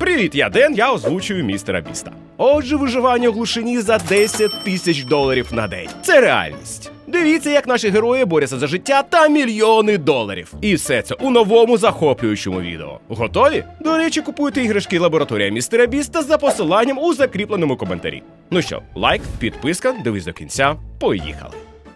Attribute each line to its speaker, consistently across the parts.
Speaker 1: Привіт, я Ден, я озвучую містера Біста. Отже, виживання у глушині за $10 000 на день. Це реальність. Дивіться, як наші герої борються за життя та мільйони доларів. І все це у новому захоплюючому відео. Готові? До речі, купуйте іграшки лабораторія містера Біста за посиланням у закріпленому коментарі. Ну що, лайк, підписка, дивись до кінця. Поїхали.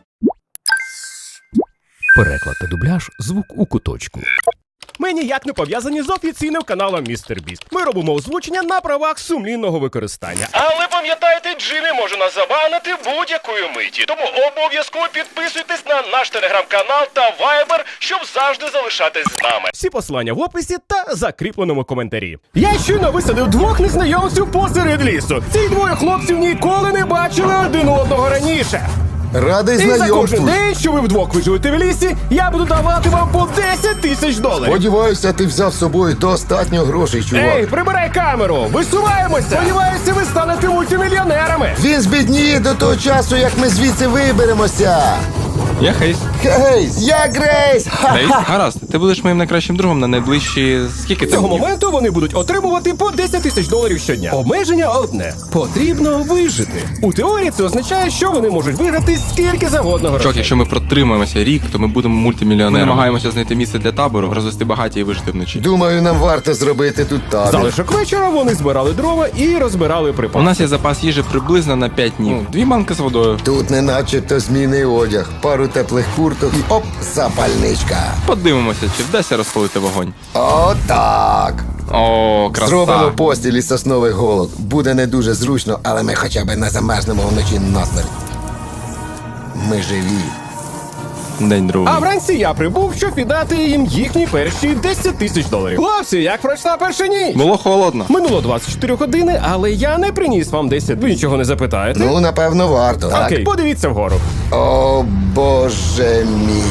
Speaker 2: Переклад та дубляж «Звук у куточку».
Speaker 1: Ми ніяк не пов'язані з офіційним каналом Містер Біст. Ми робимо озвучення на правах сумлінного використання. Але пам'ятайте, Джиммі може нас забанити будь-якої миті. Тому обов'язково підписуйтесь на наш телеграм-канал та вайбер, щоб завжди залишатись з нами. Всі посилання в описі та закріпленому коментарі. Я щойно висадив двох незнайомців посеред лісу. Ці двоє хлопців ніколи не бачили один одного раніше.
Speaker 3: Радий
Speaker 1: І за кожен
Speaker 3: знайомству.
Speaker 1: день, що ви вдвох виживете в лісі, я буду давати вам по $10 000.
Speaker 3: Сподіваюся, ти взяв з собою достатньо грошей, чувак.
Speaker 1: Ей, прибирай камеру! Висуваємося! Сподіваюся, ви станете мультимільйонерами!
Speaker 3: Він збідніє до того часу, як ми звідси виберемося.
Speaker 4: Я Хейс.
Speaker 3: Гейс, я Грейс!
Speaker 4: Хейс? Гаразд, ти будеш моїм найкращим другом на найближчі... Скільки
Speaker 1: З
Speaker 4: це
Speaker 1: цього
Speaker 4: днів?
Speaker 1: моменту вони будуть отримувати по $10 000 щодня. Обмеження одне. Потрібно вижити. У теорії це означає, що вони можуть виграти скільки завгодно
Speaker 4: Чок,
Speaker 1: грошей.
Speaker 4: якщо ми протримаємося рік, то ми будемо мультимільйонерами. Ми намагаємося знайти місце для табору, розвести багаті і вижити вночі.
Speaker 3: Думаю, нам варто зробити тут табір.
Speaker 1: Залишок вечора вони збирали дрова і розбирали
Speaker 4: У
Speaker 1: припаси.
Speaker 4: нас є запас їжі приблизно на 5 днів. 2 банки з водою.
Speaker 3: Тут не начебто змінний одяг, пару теплих курток і оп, запальничка.
Speaker 4: Подивимося, чи вдасться розпалити вогонь.
Speaker 3: Отак.
Speaker 4: О, краса.
Speaker 3: Зробимо постіль із соснових голок. Буде не дуже зручно, але ми хоча б не замерзнемо вночі насмерть. Ми живі.
Speaker 4: День другий.
Speaker 1: А вранці я прибув, щоб віддати їм їхні перші $10 000. Хлопці, як пройшла перша ніч?
Speaker 4: Було холодно.
Speaker 1: Минуло 24 години, але я не приніс вам 10. Ви нічого не запитаєте?
Speaker 3: Ну, напевно, варто. Так?
Speaker 1: Окей, подивіться вгору.
Speaker 3: О, Боже мій.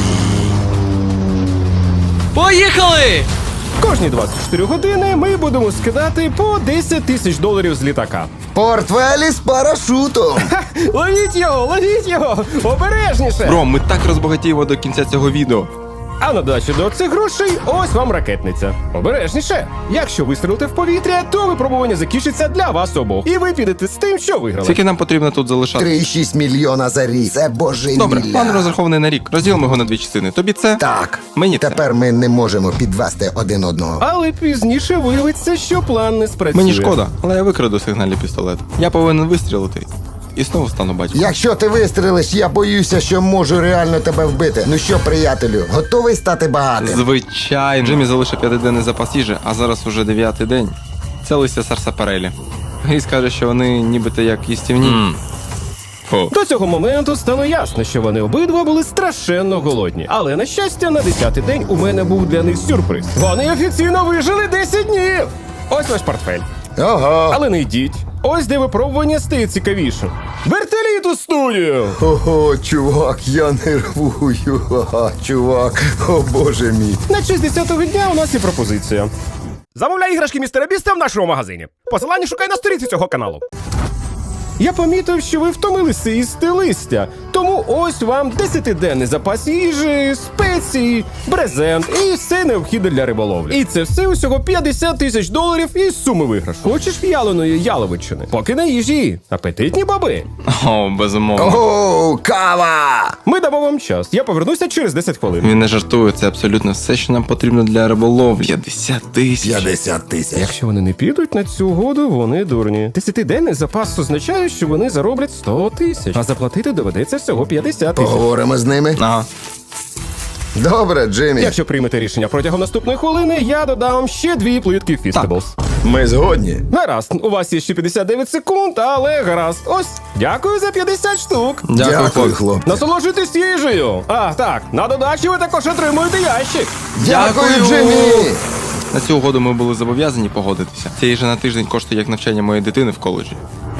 Speaker 5: Поїхали!
Speaker 1: Кожні 24 години ми будемо скидати по $10 000 з літака.
Speaker 3: Портфелі з парашутом.
Speaker 1: Ха! Ловіть його! Обережніше!
Speaker 4: Бро, ми так розбагатіємо до кінця цього відео.
Speaker 1: А на додачу до цих грошей ось вам ракетниця. Обережніше! Якщо вистрілите в повітря, то випробування закінчиться для вас обох. І ви підете з тим, що виграли.
Speaker 4: Скільки нам потрібно тут залишати?
Speaker 3: 3,6 мільйона за рік. Це божевілля.
Speaker 4: Добре, план розрахований на рік. Розділимо його на 2 частини. Тобі це?
Speaker 3: Так.
Speaker 4: Мені це.
Speaker 3: Тепер ми не можемо підвести один одного.
Speaker 1: Але пізніше виявиться, що план не спрацює.
Speaker 4: Мені шкода, але я викраду сигнальний пістолет. Я повинен вистрілити. І знову стану батьком.
Speaker 3: Якщо ти вистрелиш, я боюся, що можу реально тебе вбити. Ну що, приятелю, готовий стати багатим?
Speaker 4: Звичайно. Джиммі залишив 5-денний запас їжі, а зараз уже 9-й день. Це листя сарсапарелі. І скаже, що вони нібито як їстівні. Фу.
Speaker 1: До цього моменту стало ясно, що вони обидва були страшенно голодні. Але, на щастя, на 10-й день у мене був для них сюрприз. Вони офіційно вижили 10 днів! Ось ваш портфель.
Speaker 3: Ого.
Speaker 1: Але не йдіть. Ось де випробування стає цікавішим. Вертоліт у студію!
Speaker 3: Ого, чувак, я нервую. Ага, чувак, о боже мій.
Speaker 1: На 60-го дня у нас є пропозиція. Замовляй іграшки містера Біста в нашому магазині. Посилання шукай на сторінці цього каналу. Я помітив, що ви втомилися їсти листя, тому ось вам 10-денний запас їжі, спеції, брезент і все необхідне для риболовлі. І це все усього $50 000 із суми виграшу. Хочеш в'яленої яловичини? Поки на їжі. Апетитні баби.
Speaker 4: О, безумовно.
Speaker 3: Ого, кава!
Speaker 1: Ми дамо вам час. Я повернуся через 10 хвилин.
Speaker 4: Він не жартує, це абсолютно все, що нам потрібно для риболовлі. 50 тисяч.
Speaker 3: 50 тисяч.
Speaker 1: Якщо вони не підуть на цю угоду, вони дурні. 10-денний запас означає, що вони зароблять 100 тисяч, а заплатити доведеться всього 50 тисяч.
Speaker 3: Поговоримо з ними.
Speaker 4: Ага.
Speaker 3: Добре, Джиммі.
Speaker 1: Якщо приймете рішення протягом наступної хвилини, я додам вам ще 2 плитки Фістеблс.
Speaker 3: Ми згодні.
Speaker 1: Гаразд, у вас є ще 59 секунд, але гаразд. Ось, дякую за 50 штук.
Speaker 3: Дякую, хлопці.
Speaker 1: Насолоджуйтесь їжею. А, так, на додачу ви також отримуєте ящик.
Speaker 3: Дякую,
Speaker 4: Дякую.
Speaker 3: Джиммі.
Speaker 4: На цю угоду ми були зобов'язані погодитися. Ця їжа на тиждень коштує як навчання моєї дитини в коледжі.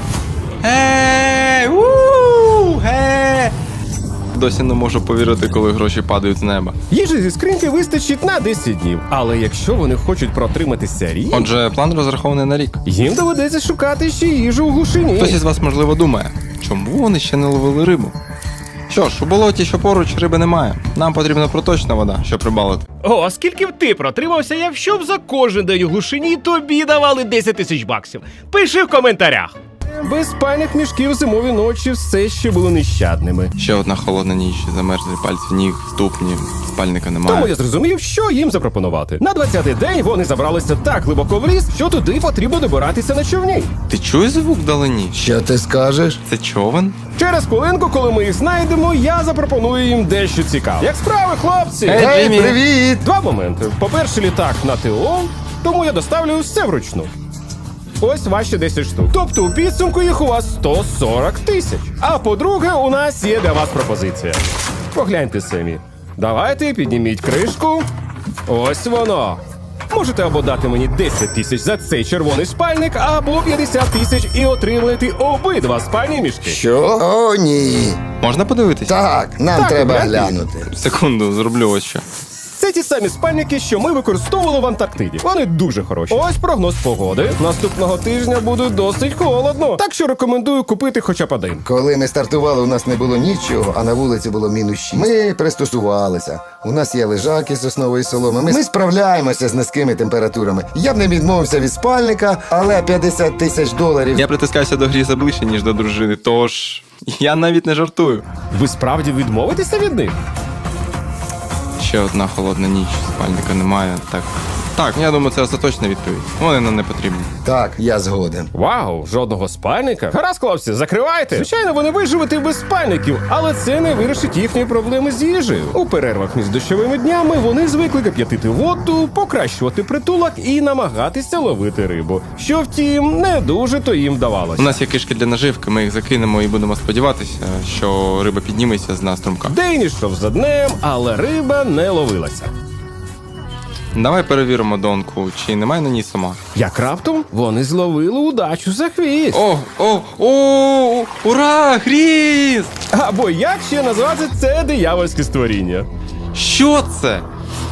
Speaker 4: Досі не можу повірити, коли гроші падають з неба.
Speaker 1: Їжі зі скриньки вистачить на 10 днів. Але якщо вони хочуть протриматися рік,
Speaker 4: Отже, план розрахований на рік.
Speaker 1: їм доведеться шукати ще їжу у глушині.
Speaker 4: Хтось із вас, можливо, думає, чому вони ще не ловили рибу? Що Що ж, у болоті, що поруч, риби немає. Нам потрібна проточна вода, щоб рибалити.
Speaker 1: О, скільки б ти протримався, якщо б за кожен день у глушині тобі давали 10 тисяч баксів? Пиши в коментарях. Без спальних мішків зимові ночі все ще були нещадними.
Speaker 4: Ще одна холодна ніч, замерзлі пальці ніг, ступні, спальника немає.
Speaker 1: Тому я зрозумів, що їм запропонувати. На 20-й день вони забралися так глибоко в ліс, що туди потрібно добиратися на човні.
Speaker 4: Ти чуєш звук вдалині?
Speaker 3: Що ти скажеш?
Speaker 4: Це човен?
Speaker 1: Через хвилинку, коли ми їх знайдемо, я запропоную їм дещо цікаве. Як справи, хлопці?
Speaker 4: Ей, Джиммі.
Speaker 3: Привіт!
Speaker 1: Два моменти. По-перше, літак на ТО, тому я доставлю все вручну. Ось ваші 10 штук. Тобто у підсумку їх у вас 140 тисяч. А по-друге, у нас є для вас пропозиція. Погляньте самі. Давайте підніміть кришку. Ось воно. Можете або дати мені 10 тисяч за цей червоний спальник, або 50 тисяч і отримати обидва спальні мішки.
Speaker 3: Що? О, ні.
Speaker 4: Можна подивитись?
Speaker 3: Так, нам
Speaker 1: Так,
Speaker 3: треба
Speaker 1: гляньте.
Speaker 3: глянути.
Speaker 4: Секунду, зроблю ось що.
Speaker 1: Це ті самі спальники, що ми використовували в Антарктиді. Вони дуже хороші. Ось прогноз погоди. Наступного тижня буде досить холодно. Так що рекомендую купити хоча б один.
Speaker 3: Коли ми стартували, у нас не було нічого, а на вулиці було -6. Ми пристосувалися. У нас є лежаки з соснової соломи. Ми справляємося з низькими температурами. Я б не відмовився від спальника, але 50 тисяч доларів.
Speaker 4: Я притискаюся до гріза ближче, ніж до дружини, тож я навіть не жартую.
Speaker 1: Ви справді відмовитеся від них?
Speaker 4: Ще одна холодна ніч, спальника немає. Так, я думаю, це остаточна відповідь. Вони нам не потрібні.
Speaker 3: Так, я згоден.
Speaker 1: Вау, жодного спальника? Гаразд, хлопці, закривайте. Звичайно, вони виживуть і без спальників, але це не вирішить їхні проблеми з їжею. У перервах між дощовими днями вони звикли кип'ятити воду, покращувати притулок і намагатися ловити рибу. Що втім, не дуже то їм вдавалося.
Speaker 4: У нас є кишки для наживки, ми їх закинемо і будемо сподіватися, що риба підніметься з нас струмка.
Speaker 1: День ішов за днем, але риба не ловилася.
Speaker 4: Давай перевіримо донку, чи немає на ній сама.
Speaker 1: Як раптом вони зловили удачу за хвіст.
Speaker 4: О, ура, гріз!
Speaker 1: Або як ще назвати це диявольське створіння?
Speaker 4: Що це?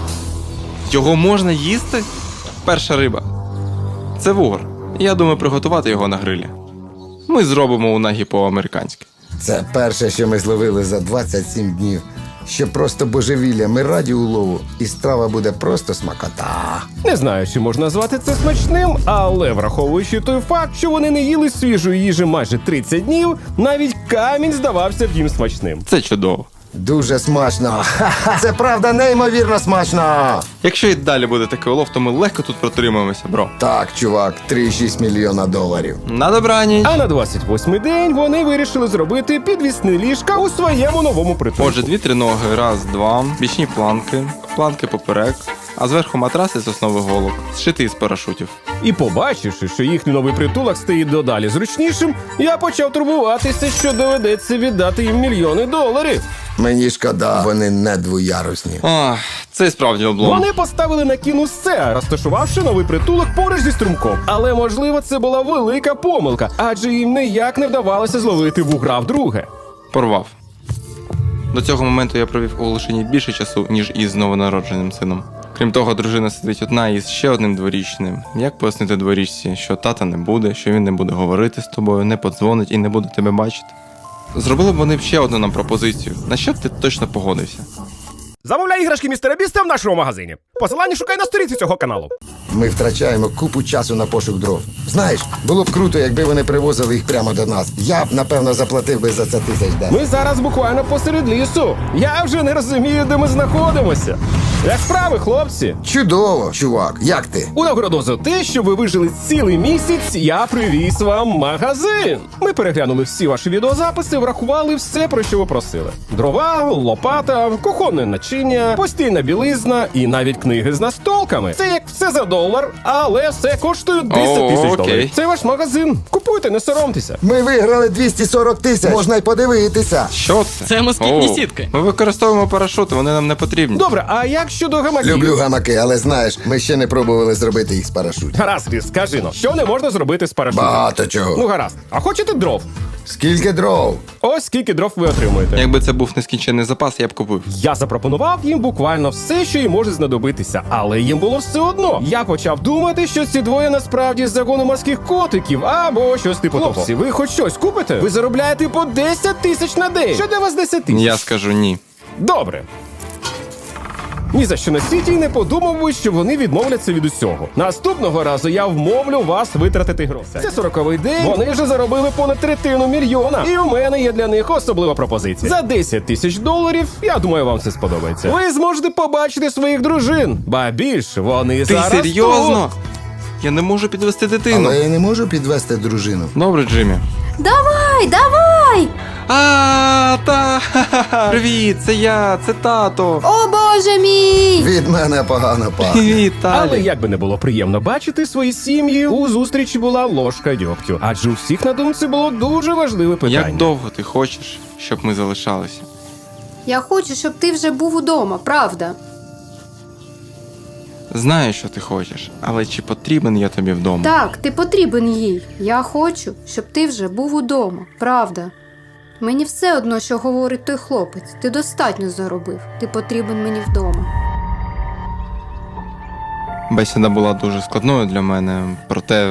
Speaker 4: Його можна їсти? Перша риба. Це вугор. Я думаю приготувати його на грилі. Ми зробимо унагі по-американськи.
Speaker 3: Це перше, що ми зловили за 27 днів. Що просто божевілля, ми раді улову, і страва буде просто смакота.
Speaker 1: Не знаю, чи можна назвати це смачним, але враховуючи той факт, що вони не їли свіжої їжі майже 30 днів, навіть камінь здавався б їм смачним.
Speaker 4: Це чудово.
Speaker 3: Дуже смачно. Це правда неймовірно смачно.
Speaker 4: Якщо і далі буде такий улов, то ми легко тут протримаємося, бро.
Speaker 3: Так, чувак, 3,6 мільйона доларів.
Speaker 4: На добраніч!
Speaker 1: А на 28-й день вони вирішили зробити підвісне ліжка у своєму новому притулку.
Speaker 4: Отже, 2-3 ноги, раз, два, бічні планки поперек, а зверху матраси з основи голок, зшитий із парашутів.
Speaker 1: І побачивши, що їхній новий притулок стає додалі зручнішим, я почав турбуватися, що доведеться віддати їм мільйони доларів.
Speaker 3: Мені шкода, вони не двоярусні.
Speaker 4: Ах, це і справді облом.
Speaker 1: Вони поставили на кін усе, розташувавши новий притулок поруч зі струмком. Але, можливо, це була велика помилка, адже їм ніяк не вдавалося зловити вугра вдруге.
Speaker 4: Порвав. До цього моменту я провів у Лишині більше часу, ніж із новонародженим сином. Крім того, дружина сидить одна із ще одним дворічним. Як пояснити дворічці, що тата не буде, що він не буде говорити з тобою, не подзвонить і не буде тебе бачити? Зробили б вони б ще одну нам пропозицію. На що б ти точно погодився?
Speaker 1: Замовляй іграшки містера Біста в нашому магазині. Посилання шукай на сторінці цього каналу.
Speaker 3: Ми втрачаємо купу часу на пошук дров. Знаєш, було б круто, якби вони привозили їх прямо до нас. Я б, напевно, заплатив би за це $1000.
Speaker 1: Ми зараз буквально посеред лісу. Я вже не розумію, де ми знаходимося. Як справи, хлопці?
Speaker 3: Чудово, чувак, як ти?
Speaker 1: У нагороду за те, що ви вижили цілий місяць, я привіз вам магазин. Ми переглянули всі ваші відеозаписи, врахували все, про що ви просили: дрова, лопата, кухонне начиння, постільна білизна і навіть книги з настолками. Це як все за $1, але все коштує $10 000.
Speaker 4: окей.
Speaker 1: Це ваш магазин. Купуйте, не соромтеся.
Speaker 3: Ми виграли 240 тисяч. Можна й подивитися.
Speaker 4: Що це?
Speaker 5: Це москітні сітки.
Speaker 4: Ми використовуємо парашути, вони нам не потрібні.
Speaker 1: Добре, а як щодо гамаків?
Speaker 3: Люблю гамаки, але знаєш, ми ще не пробували зробити їх з парашутів.
Speaker 1: Гаразд, Різ, скажи но, що не можна зробити з парашутом?
Speaker 3: Багато чого.
Speaker 1: Ну гаразд. А хочете дров?
Speaker 3: Скільки дров?
Speaker 1: Ось Ось скільки дров ви отримуєте.
Speaker 4: Якби це був нескінчений запас, я б купив.
Speaker 1: Я запропонував їм буквально все, що їм може знадобитися, але їм було все одно. Я почав думати, що ці двоє насправді з загону морських котиків або щось типу того. Хлопці, ви хоч щось купите? Ви заробляєте по 10 тисяч на день. Що для вас 10 тисяч?
Speaker 4: Я скажу ні.
Speaker 1: Добре. Ні за що на світі й не подумав би, що вони відмовляться від усього. Наступного разу я вмовлю вас витратити гроші. Це 40-й день, вони вже заробили понад $1,000,000. І у мене є для них особлива пропозиція. За 10 тисяч доларів, я думаю, вам це сподобається. Ви зможете побачити своїх дружин. Ба більше, вони
Speaker 4: Ти
Speaker 1: зараз
Speaker 4: серйозно?
Speaker 1: тут.
Speaker 4: Я не можу підвести дитину.
Speaker 3: Але я не можу підвести дружину.
Speaker 4: Добре, Джиммі.
Speaker 5: Давай, давай!
Speaker 4: Привіт, це я, це тато.
Speaker 5: О, Боже мій!
Speaker 3: Від мене погано пахне.
Speaker 4: Привіт,
Speaker 1: Але
Speaker 4: Талі.
Speaker 1: як би не було приємно бачити свої сім'ї, у зустрічі була ложка дьогтю. Адже у всіх на думці було дуже важливе питання.
Speaker 4: Як довго ти хочеш, щоб ми залишалися?
Speaker 5: Я хочу, щоб ти вже був удома, правда?
Speaker 4: Знаю, що ти хочеш, але чи потрібен я тобі вдома?
Speaker 5: Так, ти потрібен їй. Я хочу, щоб ти вже був удома, правда? Мені все одно, що говорить той хлопець. Ти достатньо заробив. Ти потрібен мені вдома.
Speaker 4: Бесіда була дуже складною для мене, проте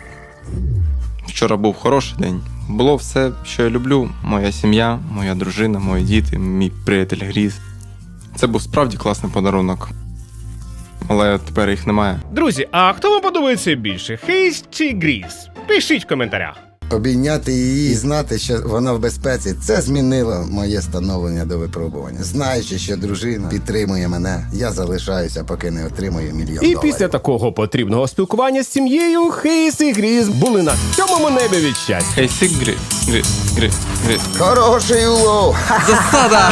Speaker 4: вчора був хороший день. Було все, що я люблю. Моя сім'я, моя дружина, мої діти, мій приятель Гріз. Це був справді класний подарунок. Але тепер їх немає.
Speaker 1: Друзі, а хто вам подобається більше? Хейс чи Гріз? Пишіть в коментарях.
Speaker 3: Обійняти її і знати, що вона в безпеці, це змінило моє становлення до випробування. Знаючи, що дружина підтримує мене, я залишаюся, поки не отримую $1 мільйон.
Speaker 1: І після такого потрібного спілкування з сім'єю Хейс і Гріз були на сьомому небі від щастя.
Speaker 4: Хей, сик, Гріз.
Speaker 3: Хороший улов!
Speaker 4: Засада!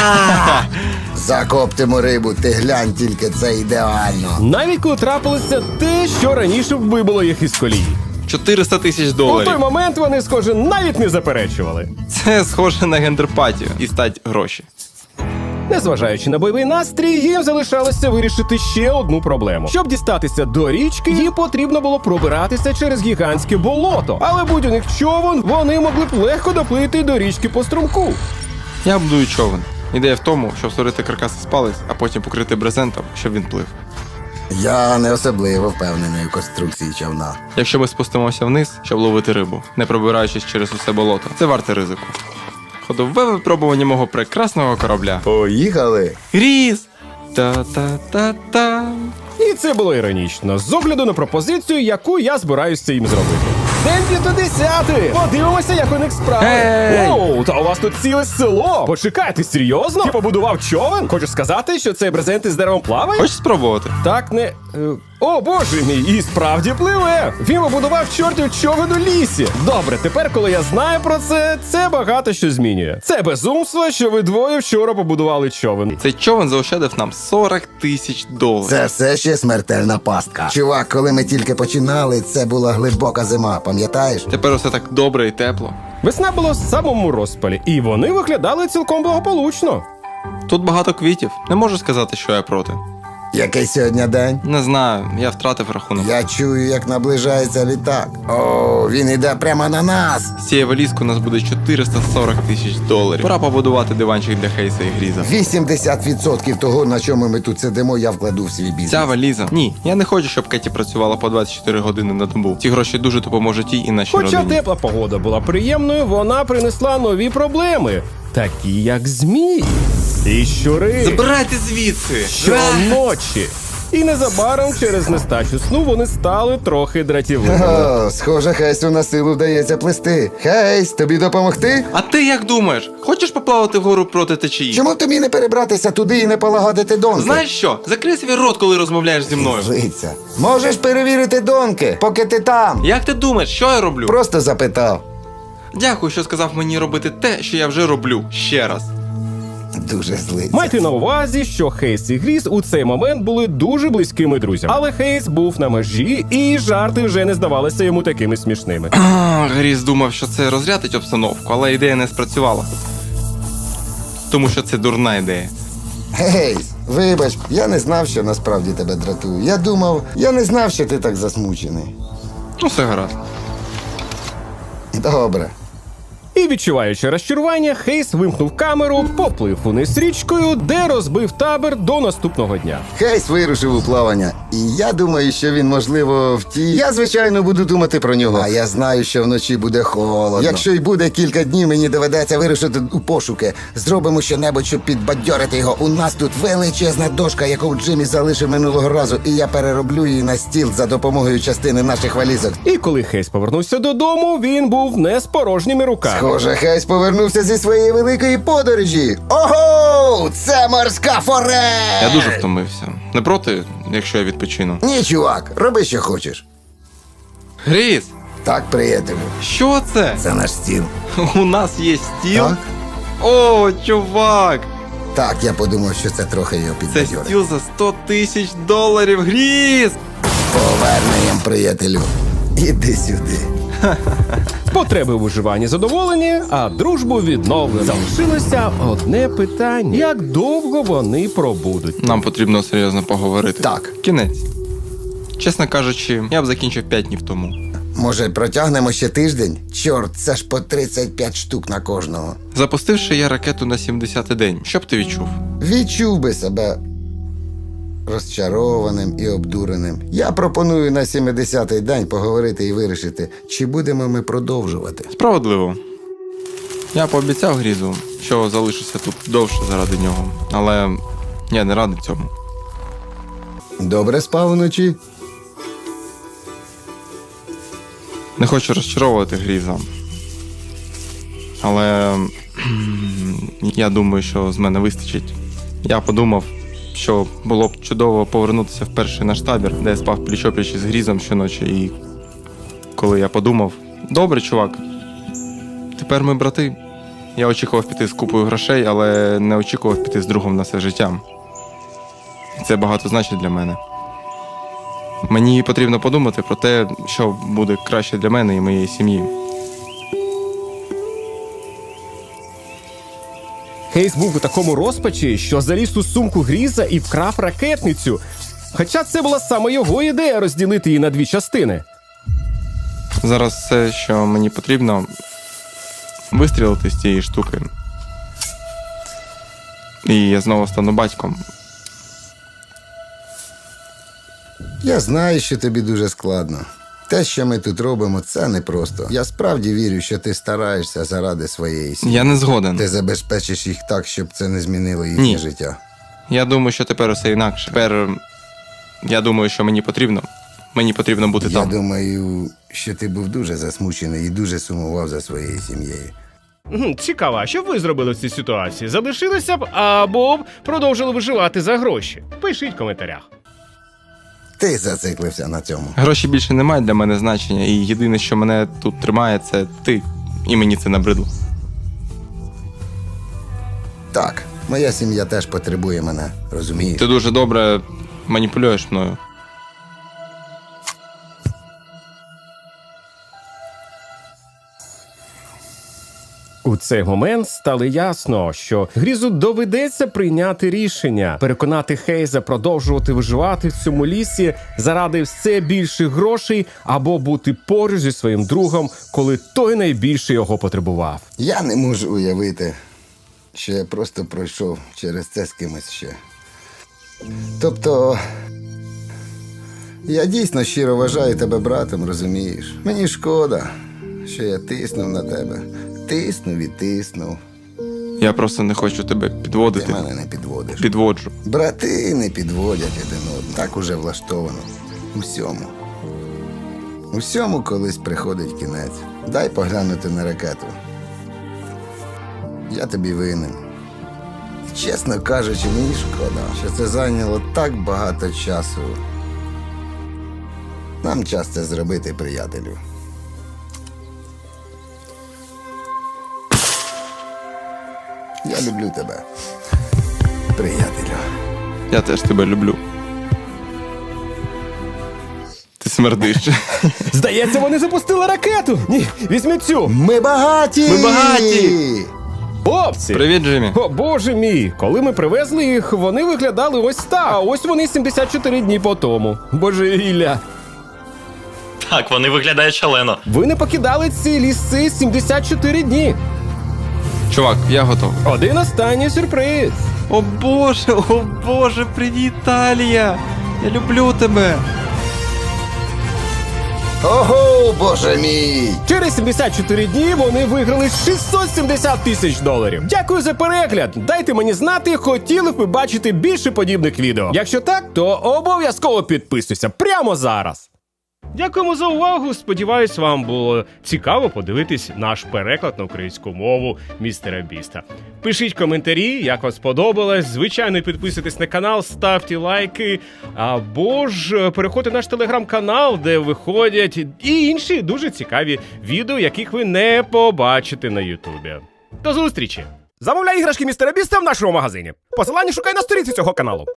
Speaker 3: Закоптимо рибу, ти глянь, тільки це ідеально.
Speaker 1: Навіть коли трапилося те, що раніше вибило їх із колії.
Speaker 4: $400 тисяч.
Speaker 1: У той момент вони, схоже, навіть не заперечували.
Speaker 4: Це схоже на гендерпатію і стать гроші.
Speaker 1: Незважаючи на бойовий настрій, їм залишалося вирішити ще одну проблему. Щоб дістатися до річки, їм потрібно було пробиратися через гігантське болото. Але будь у них човен, вони могли б легко доплити до річки по струмку.
Speaker 4: Я будую човен. Ідея в тому, щоб створити каркас із палець, а потім покрити брезентом, щоб він плив.
Speaker 3: Я не особливо впевнений у конструкції човна.
Speaker 4: Якщо ми спустимося вниз, щоб ловити рибу, не пробираючись через усе болото, це варте ризику. Ходове випробування мого прекрасного корабля.
Speaker 3: Поїхали!
Speaker 4: Гріз! Та-та-та-та.
Speaker 1: І це було іронічно, з огляду на пропозицію, яку я збираюся їм зробити. День 50! Подивимося, як у них справи.
Speaker 4: Ей!
Speaker 1: Оу, та у вас тут ціле село. Почекайте, серйозно? Ти побудував човен? Хочеш сказати, що цей брезент із деревом плаває?
Speaker 4: Хочеш спробувати?
Speaker 1: Так не. О, боже мій, і справді пливе! Він побудував чортів човен у лісі. Добре, тепер, коли я знаю про це, це багато що змінює. Це безумство, що ви двоє вчора побудували човен.
Speaker 4: Цей човен заощадив нам $40 тисяч.
Speaker 3: Це все ще смертельна пастка. Чувак, коли ми тільки починали, це була глибока зима, пам'ятаєш?
Speaker 4: Тепер усе так добре і тепло.
Speaker 1: Весна була в самому розпалі, і вони виглядали цілком благополучно.
Speaker 4: Тут багато квітів. Не можу сказати, що я проти.
Speaker 3: Який сьогодні день?
Speaker 4: Не знаю, я втратив рахунок.
Speaker 3: Я чую, як наближається літак. О, він іде прямо на нас.
Speaker 4: З цієї валізки у нас буде $440 тисяч. Пора побудувати диванчик для Хейса і Гріза.
Speaker 3: 80% того, на чому ми тут сидимо, я вкладу в свій бізнес.
Speaker 4: Ця валіза. Ні, я не хочу, щоб Кеті працювала по 24 години на добу. Ці гроші дуже допоможуть їй і нашій
Speaker 1: Хоча
Speaker 4: родині.
Speaker 1: тепла погода була приємною, вона принесла нові проблеми, такі як змії і щури.
Speaker 4: Забирайте звідси!
Speaker 1: Щоночі. І незабаром через нестачу сну вони стали трохи дратівливими.
Speaker 3: О, схоже, Хейсу на силу вдається плисти. Хейс, тобі допомогти?
Speaker 4: А ти як думаєш? Хочеш поплавати вгору проти течії?
Speaker 3: Чому тобі не перебратися туди і не полагодити донки?
Speaker 4: Знаєш що? Закрий свій рот, коли розмовляєш зі мною.
Speaker 3: Злиться. Можеш перевірити донки, поки ти там.
Speaker 4: Як ти думаєш, що я роблю?
Speaker 3: Просто запитав.
Speaker 4: Дякую, що сказав мені робити те, що я вже роблю. Ще раз.
Speaker 3: Дуже злиться.
Speaker 1: Майте на увазі, що Хейс і Гріз у цей момент були дуже близькими друзями. Але Хейс був на межі, і жарти вже не здавалися йому такими смішними.
Speaker 4: Гріз думав, що це розрядить обстановку, але ідея не спрацювала. Тому що це дурна ідея.
Speaker 3: Гейс, вибач, я не знав, що насправді тебе дратує. Я не знав, що ти так засмучений.
Speaker 4: Ну, все гаразд.
Speaker 3: Добре.
Speaker 1: І, відчуваючи розчарування, Хейс вимкнув камеру, поплив униз річкою, де розбив табір до наступного дня.
Speaker 3: Хейс вирушив у плавання, і я думаю, що він, можливо, втік. Я, звичайно, буду думати про нього. А я знаю, що вночі буде холодно. Якщо й буде кілька днів, мені доведеться вирушити у пошуки. Зробимо щонебудь, щоб підбадьорити його. У нас тут величезна дошка, яку Джиммі залишив минулого разу, і я перероблю її на стіл за допомогою частини наших валізок.
Speaker 1: І коли Хейс повернувся додому, він був не з порожніми руками.
Speaker 3: Схоже, Хейс повернувся зі своєї великої подорожі. Ого! Це морська форель!
Speaker 4: Я дуже втомився. Не проти, якщо я відпочину.
Speaker 3: Ні, чувак, роби, що хочеш.
Speaker 4: Гріс,
Speaker 3: Так, приятелю,
Speaker 4: що це?
Speaker 3: це наш стіл.
Speaker 4: У нас є стіл?
Speaker 3: Так?
Speaker 4: О, чувак!
Speaker 3: Так, я подумав, що це трохи його
Speaker 4: Це
Speaker 3: підбадьорить.
Speaker 4: стіл за 100 тисяч доларів, Гріс!
Speaker 3: Поверненням, приятелю. Іди сюди.
Speaker 1: Потреби у виживанні задоволені, а дружбу відновлено. Залишилося одне питання: як довго вони пробудуть?
Speaker 4: Нам потрібно серйозно поговорити.
Speaker 3: Так.
Speaker 4: Кінець. Чесно кажучи, я б закінчив 5 днів тому.
Speaker 3: Може, протягнемо ще тиждень? Чорт, це ж по 35 штук на кожного.
Speaker 4: Запустивши я ракету на 70-й день, що б ти відчув?
Speaker 3: Відчув би себе розчарованим і обдуреним. Я пропоную на 70-й день поговорити і вирішити, чи будемо ми продовжувати.
Speaker 4: Справедливо. Я пообіцяв Грізу, що залишуся тут довше заради нього, але я не радий цьому.
Speaker 3: Добре спав вночі?
Speaker 4: Не хочу розчаровувати Гріза. Але я думаю, що з мене вистачить. Я подумав, що було б чудово повернутися в перший наш табір, де я спав пліч-опліч з Грізом щоночі. І коли я подумав, добре, чувак, тепер ми брати. Я очікував піти з купою грошей, але не очікував піти з другом на все життя. І це багато значить для мене. Мені потрібно подумати про те, що буде краще для мене і моєї сім'ї.
Speaker 1: Хейс був у такому розпачі, що заліз у сумку Гріза і вкрав ракетницю. Хоча це була саме його ідея розділити її на дві частини.
Speaker 4: Зараз все, що мені потрібно, вистрілити з цієї штуки. І я знову стану батьком.
Speaker 3: Я знаю, що тобі дуже складно. Те, що ми тут робимо, це непросто. Я справді вірю, що ти стараєшся заради своєї сім'ї.
Speaker 4: Я не згоден.
Speaker 3: Ти забезпечиш їх так, щоб це не змінило їхнє
Speaker 4: Ні.
Speaker 3: життя.
Speaker 4: Я думаю, що тепер усе інакше. Тепер я думаю, що мені потрібно. Мені потрібно бути
Speaker 3: Я
Speaker 4: там.
Speaker 3: думаю, що ти був дуже засмучений і дуже сумував за своєю сім'єю.
Speaker 1: Цікаво, а що б ви зробили в цій ситуації? Залишилися б або б продовжили виживати за гроші? Пишіть в коментарях.
Speaker 3: Ти зациклився на цьому.
Speaker 4: Гроші більше не мають для мене значення, і єдине, що мене тут тримає, це ти. І мені це набридло.
Speaker 3: Так, моя сім'я теж потребує мене, розумієш?
Speaker 4: Ти дуже добре маніпулюєш мною.
Speaker 1: У цей момент стало ясно, що Грізу доведеться прийняти рішення, переконати Хейза продовжувати виживати в цьому лісі заради все більших грошей або бути поруч зі своїм другом, коли той найбільше його потребував.
Speaker 3: Я не можу уявити, що я просто пройшов через це з кимось ще. Тобто, я дійсно щиро вважаю тебе братом, розумієш? Мені шкода, що я тиснув на тебе. Тиснув і тиснув.
Speaker 4: Я просто не хочу тебе
Speaker 3: Ти
Speaker 4: підводити.
Speaker 3: мене не підводиш.
Speaker 4: Підводжу.
Speaker 3: Брати не підводять один одного. Так уже влаштовано. Усьому. Усьому колись приходить кінець. Дай поглянути на ракету. Я тобі винен. І, чесно кажучи, мені шкода, що це зайняло так багато часу. Нам час це зробити, приятелю. Я люблю тебе, приятелю.
Speaker 4: Я теж тебе люблю. Ти смердиш.
Speaker 1: Здається, вони запустили ракету! Ні, візьми цю!
Speaker 3: Ми багаті!
Speaker 4: Ми багаті!
Speaker 1: Хлопці!
Speaker 4: Привіт, Джиммі.
Speaker 1: О, боже мій! Коли ми привезли їх, вони виглядали ось так. А ось вони 74 дні по тому. Божевілля.
Speaker 6: Так, вони виглядають шалено.
Speaker 1: Ви не покидали ці ліси 74 дні.
Speaker 4: Чувак, я готовий.
Speaker 1: Один останній сюрприз.
Speaker 4: О боже, привіт, Талія! Я люблю тебе!
Speaker 3: Ого, боже мій!
Speaker 1: Через 74 дні вони виграли 670 тисяч доларів. Дякую за перегляд. Дайте мені знати, хотіли б ви бачити більше подібних відео. Якщо так, то обов'язково підписуйся прямо зараз. Дякуємо за увагу. Сподіваюсь, вам було цікаво подивитись наш переклад на українську мову містера Біста. Пишіть коментарі, як вам сподобалось. Звичайно, підписуйтесь на канал, ставте лайки. Або ж переходьте в наш телеграм-канал, де виходять і інші дуже цікаві відео, яких ви не побачите на Ютубі. До зустрічі! Замовляй іграшки містера Біста в нашому магазині. Посилання шукай на сторінці цього каналу.